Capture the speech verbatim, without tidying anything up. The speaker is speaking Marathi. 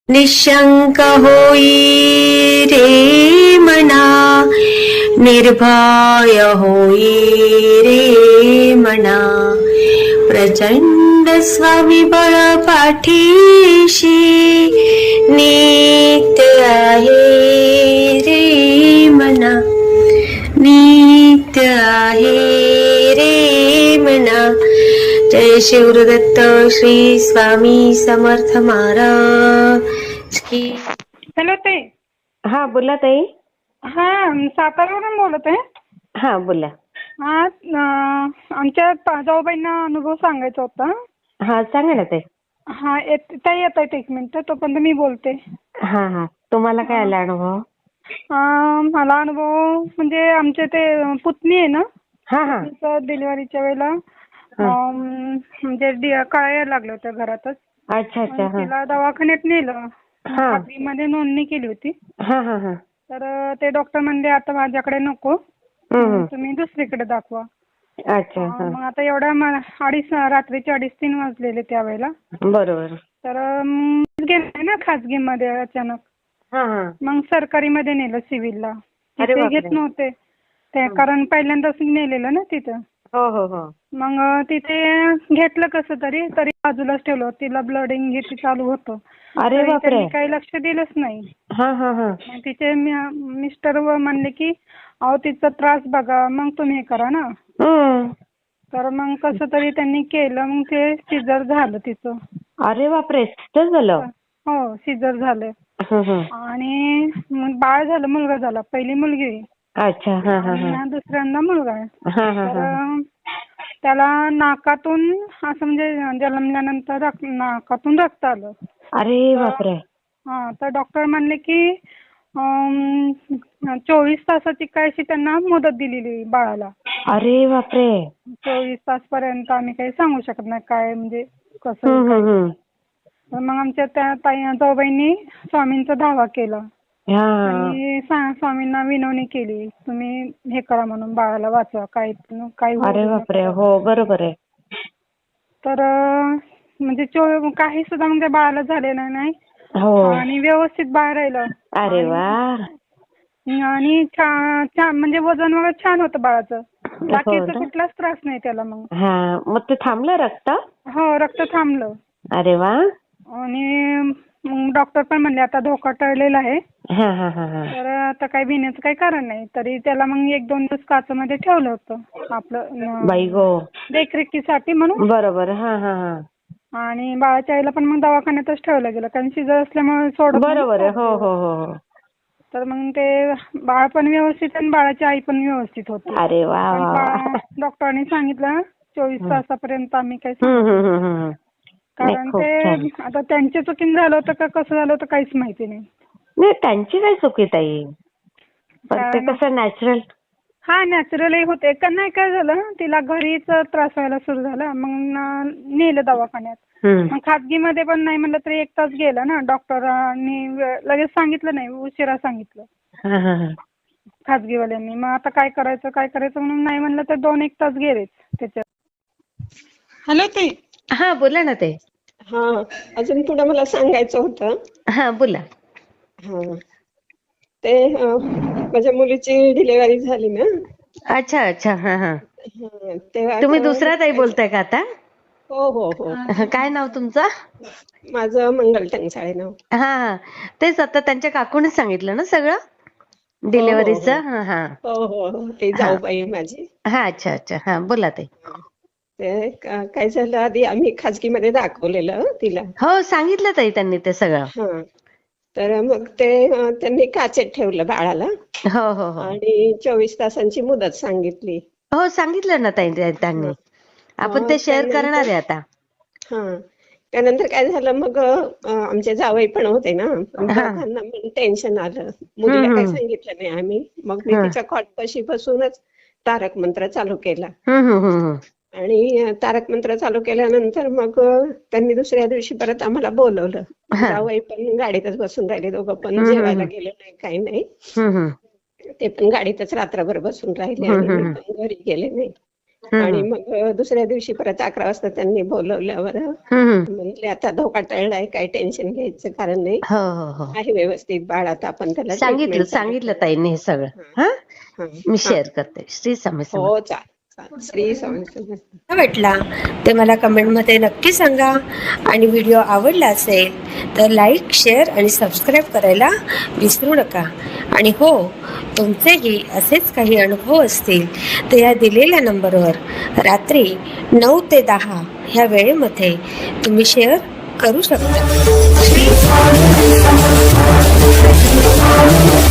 निशंक होई रे मना, निर्भय होई रे मना, प्रचंड स्वविबळ पाठीशी नित्य आहे रे मना, नित्य आहे रे मना. जय शिवदत्त श्री स्वामी समर्थ महाराज की. हॅलो ताई. हा बोला ताई. हा साताऱ्यावरून बोलत आहे. हा बोला. हा अं, आमच्या पा- जाऊबाईंना अनुभव सांगायचा होता. हा सांगा ना ताई. हा येत ताई येत आहेत एक मिनिट, तोपर्यंत मी बोलते. हा हा तुम्हाला काय आला अनुभव? अं, मला अनुभव म्हणजे आमचे ते पुतणी आहे ना, हा हा तिचं डिलिव्हरीच्या वेळेला अं, म्हणजे डि- कळायला लागल्या होत्या घरातच. अच्छा अच्छा. मग हा तिला दवाखान्यात नेलं, हा खाजगीमध्ये नोंदणी केली होती. हा हा हा तर ते डॉक्टर म्हणले आता माझ्याकडे नको, हम्म. तुम्ही दुसरीकडे दाखवा. अच्छा. अं, हा मग आता एवढ्या म- अडीच रात्रीचे अडीच तीन वाजलेले त्यावेळेला. बरोबर. तर अं, गेले ना खाजगीमध्ये अचानक. हा हा मग सरकारीमध्ये नेलं सिव्हिलला. अरे तिथे बापरे. घेत नव्हते ते, कारण पहिल्यांदाच नेलेलं ना तिथं. हो हो हो मग अं, तिथे घेतलं कसं तरी तरी बाजूलाच ठेवलं. तिला ब्लडिंग हे ते चालू होतं. अरे तरी बापरे. त्यांनी काही लक्ष दिलंच नाही. हा हा हा मग तिचे मि- मिस्टर व म्हणले की अहो तिचा त्रास बघा मग तुम्ही हे करा ना. हम्म. तर मग कसं तरी त्यांनी केलं, मग ते सिजर झालं तिचं. अरे बापरे. तर झालं. हो सिजर झालं. हं, हं. आणि मग बाळ झालं, मुलगा झाला. पहिली मुलगी अच्छा. हा हा आणि हा हा दुसऱ्यांदा मुलगा आहे. हा हा तर हा त्याला नाकातून असं म्हणजे जन्मल्यानंतर रक- नाकातून रक्त आलं. अरे तर बापरे. हा तर डॉक्टर म्हणले की अं, चोवीस तासाची काय अशी त्यांना मुदत दिलेली बाळाला. अरे बापरे. चोवीस तासपर्यंत आम्ही काही सांगू शकत नाही काय म्हणजे कसं हम्म काय. हम्म हम्म. तर मग आमच्या त्या ताई जाऊबाईंनी स्वामींचा धावा केला हा आणि सा- स्वामींना विनवणी केली, तुम्ही हे करा म्हणून बाळाला वाचवा, काही काही होऊ अरे देऊ बापरे. नका. हो बरोबर आहे. तर अं, म्हणजे चो काही सुद्धा म्हणजे बाळाला झालेलं नाही हो. आणि व्यवस्थित बाळ राहिलं. अरे आणि वा. आणि छान छान म्हणजे वजन वगैरे छान होतं बाळाचं. हो बाकीचा ना. कुठलाच त्रास नाही त्याला. मग हा मग ते थांबलं रक्त? हो रक्त थांबलं. अरे वा. आणि मग डॉक्टर पण म्हणले आता धोका टळलेला आहे, हा हा हा हा तर आता काही भिण्याचं काही कारण नाही. तरी त्याला मग एक दोन दिवस काचमध्ये ठेवलं होतं आपलं अं, बाई गो. देखरेखीसाठी म्हणून. बरोबर. हा हा हा आणि बाळाच्या आईला पण मग दवाखान्यातच ठेवलं गेलं, कारण शिजर असल्यामुळे सोडत नाही बरोबर ना आहे. हो चार हो दिवस. हो हो तर मग ते बाळ पण व्यवस्थित आणि बाळाची आई पण व्यवस्थित होती. अरे वा पण वा वा. बा- डॉक्टरांनी सांगितलं चोवीस तासापर्यंत आम्ही काही हम्म सांगू हम्म शकत हम्म नाही. हम्म. नाही कारण खूप छान. ते आता त्यांच्या चुकीने झालं होतं का कसं झालं होतं काहीच माहिती नाही. नाही त्यांची काय चुकी ताई, पण ते कारण कसं नॅचरल. हा नॅचरलही होते. का नाही काय झालं तिला घरीच त्रास व्हायला सुरू झाला. मग न- नेलं दवाखान्यात. हम्म. मग खाजगीमध्ये पण नाही म्हणलं तरी एक तास गेला ना. डॉक्टरांनी वे- लगेच सांगितलं नाही, उशिरा सांगितलं हा हा हा खाजगीवाल्यांनी. मग आता काय करायचं काय करायचं म्हणून नाही म्हणलं तर दोन एक तास गेलेच त्याच्यात. हॅलो ताई. हा बोला ना ताई. हा अजून पुढे मला सांगायचं होतं. हा बोला. हा ते अं, माझ्या मुलीची डिलिव्हरी झाली ना. अच्छा अच्छा. हा हा हा, तेव्हा तुम्ही आता दुसरा ताई काय झा- बोलताय का आता? हो हो हो काय नाव तुमचं? माझं मंगल टंचाळे नाव. हा हा तेच आता त्यांच्या काकूनेच सांगितलं ना सगळं हो हो हो डिलेव्हरीचं. हा हा हो हो हो ते हा जाऊबाई आहे माझी. हा अच्छा अच्छा. हा बोला ताई. ते का- काय झालं, आधी आम्ही खाजगीमध्ये दाखवलेलं तिला. हो सांगितलं ताई त्यांनी ते सगळं. हा तर मग ते अं, त्यांनी काचेत ठेवलं बाळाला हो हो हो आणि चोवीस तासांची मुदत सांगितली. हो सांगितलं ना ताई त्या- हा त्यांनी. आपण मग ते शेअर करणार त्यानंतर आहे आता. हा त्यानंतर काय झालं मग अं, आमचे जावई पण होते ना, पण हा दोघांना पण टेन्शन आलं. हम्म मुलीला काही हम्म सांगितलं नाही आम्ही. मग मी हम्म तिच्या कॉटपाशी बसूनच तारक मंत्र चालू केला. हम्म हम्म हम्म आणि अं, तारक मंत्र चालू केल्यानंतर मग अं, त्यांनी दुसऱ्या दिवशी परत आम्हाला बोलवलं. हा जावई पण गाडीतच बसून राहिले, दोघं पण हम्म हम्म जेवायला गेले नाही काही नाही. हम्म हम्म ते पण गाडीतच रात्रभर बसून राहिले हम्म आणि मी हम्म पण घरी गेले नाही. आणि मग दुसऱ्या दिवशी परत अकरा वाजता त्यांनी बोलवल्यावर म्हणले आता धोका टळलाय, काही टेन्शन घ्यायचं कारण नाही, हो हो हो आहे व्यवस्थित बाळ, आता आपण त्याला सांगितलं treatment चालू सांगितलं ताईने हे सगळं. हा हा. मी शेअर करते. श्री स्वामी समर्थ. हो चालेल चालेल. श्री स्वामी समर्थ. कसा वाटला ते मला कमेंटमध्ये नक्की सांगा. आणि व्हिडिओ आवडला असेल तर लाईक, शेअर आणि सबस्क्राईब करायला विसरू नका. आणि हो, तुमचेही असेच काही अनुभव असतील तर या दिलेल्या नंबरवर रात्री नऊ ते दहा ह्या वेळेमध्ये तुम्ही शेअर करू शकता.